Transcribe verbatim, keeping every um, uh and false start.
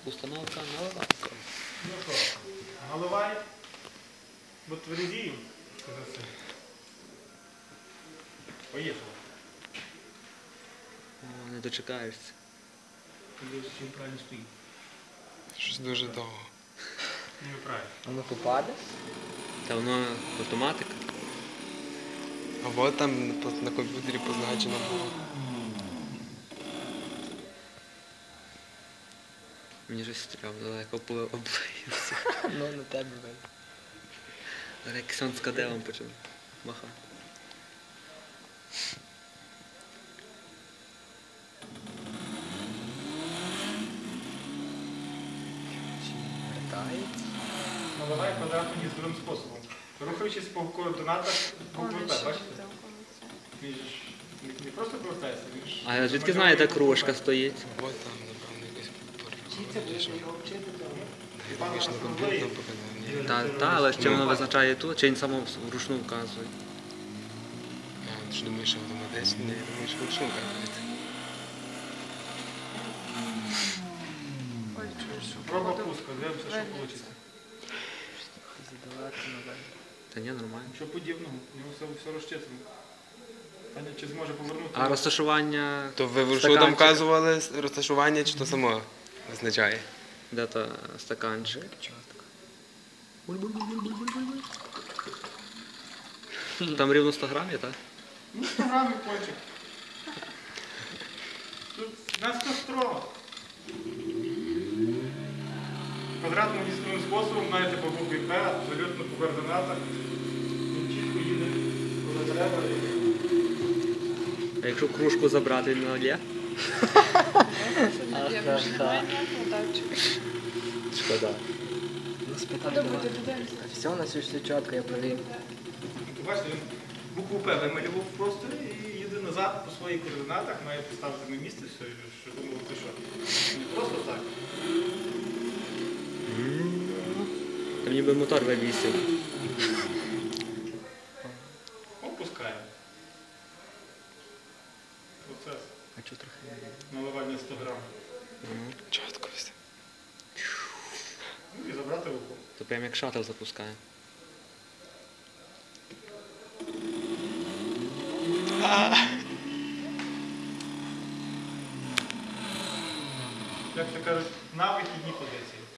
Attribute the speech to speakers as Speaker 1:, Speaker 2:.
Speaker 1: Установка наливайка.
Speaker 2: Ну що, наливай, бо твердію, сказав це. Поїхали.
Speaker 1: О, не дочекаєшся.
Speaker 2: Подивись, чи він правильно стоїть.
Speaker 3: Щось дуже довго.
Speaker 2: Не правильно.
Speaker 4: Воно попаде?
Speaker 1: Та воно автоматика.
Speaker 3: Або там на, на комп'ютері позначено було.
Speaker 1: Мені щось стрьомно, далеко облиюся.
Speaker 4: Ну, на тебе видно.
Speaker 1: Зараз як сон з кадилом почав махати.
Speaker 4: Чи вертається?
Speaker 2: Наливай квадратну їздовим способом. Рухаючись по координатах букви П, бачите? Він ж не- не просто повертається, він ж...
Speaker 1: А звідки знаєте, кружка стоїть?
Speaker 3: Або там, напевно, якось порозумієш. Логічно
Speaker 2: Пан
Speaker 3: комп'ютер
Speaker 2: Асамблеї.
Speaker 3: показав. Ні.
Speaker 1: Та, та, але чи воно визначає тут, чи він само вручну вказує?
Speaker 3: А, ти ж думаєш, що автоматично? Ні, я думаю, що вручну вказується.
Speaker 2: Проба пуска, дивимося, що вийде.
Speaker 4: Задавати назад.
Speaker 1: Та ні, нормально.
Speaker 2: Нічого подібного, у нього все, все розчитано. Таня, чи зможе повернути?
Speaker 1: А розташування
Speaker 3: То ви вручну
Speaker 1: стаканчика?
Speaker 3: там вказували розташування, чи то само визначає?
Speaker 1: Де то стаканчик? Там рівно сто грамів, так?
Speaker 2: Ну, сто грамів кончик. Тут надто строго. Квадратним військовим способом знаєте по букві П, абсолютно по координатах. Він чітко їде, коли треба.
Speaker 1: А якщо кружку забрати, він налє? Шкода.
Speaker 4: Ну, спитати. Все, у нас все чітко, я провів.
Speaker 2: Тут бачите, він букву П вималював в просторі і їде назад по своїх координатах, має поставити на місце все, що думав, ти що. Не просто так.
Speaker 1: Там ніби мотор вивісив.
Speaker 2: Опускаємо. Процес
Speaker 4: А чого трохи?
Speaker 2: наливання сто грам.
Speaker 3: Чітко все.
Speaker 2: Ну і забрати руку.
Speaker 1: То прям як шаттл запускає.
Speaker 2: Як то кажуть, на вихідні позиції.